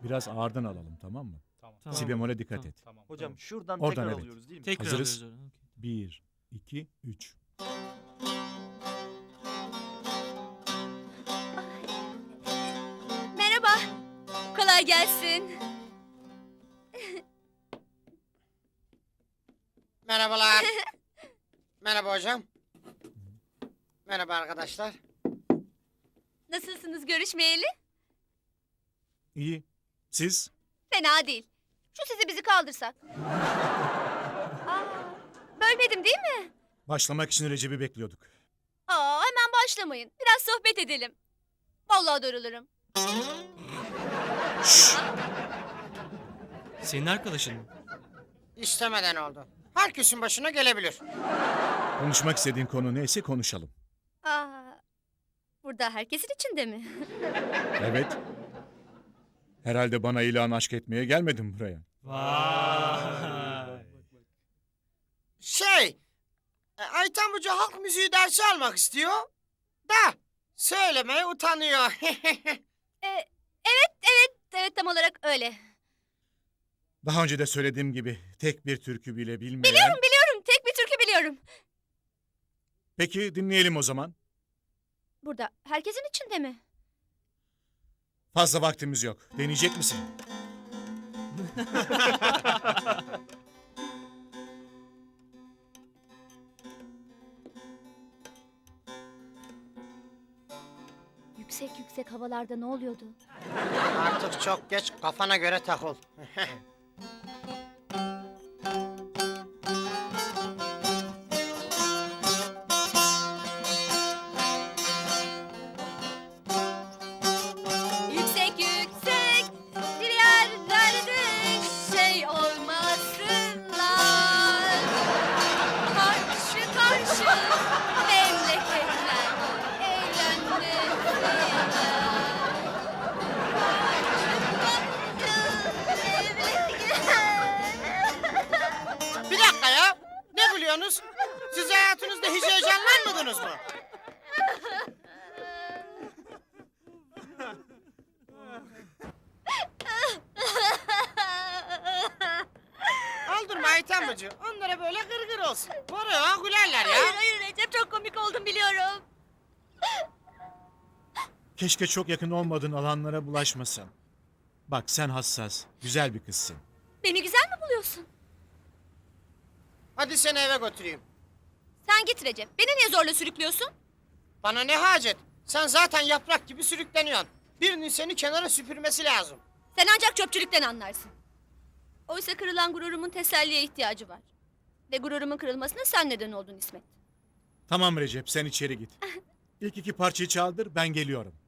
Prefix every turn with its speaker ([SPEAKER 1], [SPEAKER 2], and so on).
[SPEAKER 1] Biraz ağırdan alalım, tamam mı?
[SPEAKER 2] Tamam.
[SPEAKER 1] Si bemole dikkat et.
[SPEAKER 2] Tamam.
[SPEAKER 3] Hocam şuradan
[SPEAKER 1] Oradan
[SPEAKER 3] tekrar
[SPEAKER 1] evet.
[SPEAKER 3] alıyoruz değil mi?
[SPEAKER 4] Tekrar
[SPEAKER 1] Hazırız.
[SPEAKER 4] alıyoruz. Okey.
[SPEAKER 1] 1, 2, 3.
[SPEAKER 5] Merhaba. Kolay gelsin.
[SPEAKER 6] Merhabalar. Merhaba hocam. Merhaba arkadaşlar.
[SPEAKER 5] Nasılsınız görüşmeyeli?
[SPEAKER 1] İyi. Siz?
[SPEAKER 5] Fena değil. Şu sizi bizi kaldırsak. Aa, bölmedim değil mi?
[SPEAKER 1] Başlamak için Recep'i bekliyorduk.
[SPEAKER 5] Aa, hemen başlamayın. Biraz sohbet edelim. Vallahi darılırım.
[SPEAKER 4] Senin arkadaşın mı?
[SPEAKER 6] İstemeden oldu. Herkesin başına gelebilir.
[SPEAKER 1] Konuşmak istediğin konu neyse konuşalım.
[SPEAKER 5] Aa, burada herkesin içinde mi?
[SPEAKER 1] Evet. Herhalde bana ilan aşk etmeye gelmedin buraya.
[SPEAKER 4] Vay.
[SPEAKER 6] Ayten Hoca halk müziği dersi almak istiyor. Da söylemeye utanıyor.
[SPEAKER 5] Evet tam olarak öyle.
[SPEAKER 1] Daha önce de söylediğim gibi tek bir türkü bile bilmeyen...
[SPEAKER 5] Biliyorum tek bir türkü biliyorum.
[SPEAKER 1] Peki dinleyelim o zaman.
[SPEAKER 5] Burada herkesin içinde mi?
[SPEAKER 1] Fazla vaktimiz yok. Deneyecek misin?
[SPEAKER 5] Yüksek yüksek havalarda ne oluyordu?
[SPEAKER 6] Artık çok geç, kafana göre takıl.
[SPEAKER 5] Yüksek yüksek bir yerlerde şey olmasınlar. Karşı karşı memleketler
[SPEAKER 6] Bir dakika ya. Ne gülüyorsunuz? Siz hayatınızda hiç heyecanlanmadınız mı? Aldırma Ayten Bacı. Onlara böyle gırgır olsun. Buraya gülerler ya.
[SPEAKER 5] Hayır Recep çok komik oldum biliyorum.
[SPEAKER 1] Keşke çok yakın olmadığın alanlara bulaşmasan. Bak sen hassas, güzel bir kızsın.
[SPEAKER 5] Beni güzel mi buluyorsun?
[SPEAKER 6] Hadi seni eve götüreyim.
[SPEAKER 5] Sen git Recep. Beni niye zorla sürüklüyorsun?
[SPEAKER 6] Bana ne hacet? Sen zaten yaprak gibi sürükleniyorsun. Birinin seni kenara süpürmesi lazım.
[SPEAKER 5] Sen ancak çöpçülükten anlarsın. Oysa kırılan gururumun teselliye ihtiyacı var. Ve gururumun kırılmasına sen neden oldun İsmet.
[SPEAKER 1] Tamam Recep, sen içeri git. İlk iki parçayı çaldır, ben geliyorum.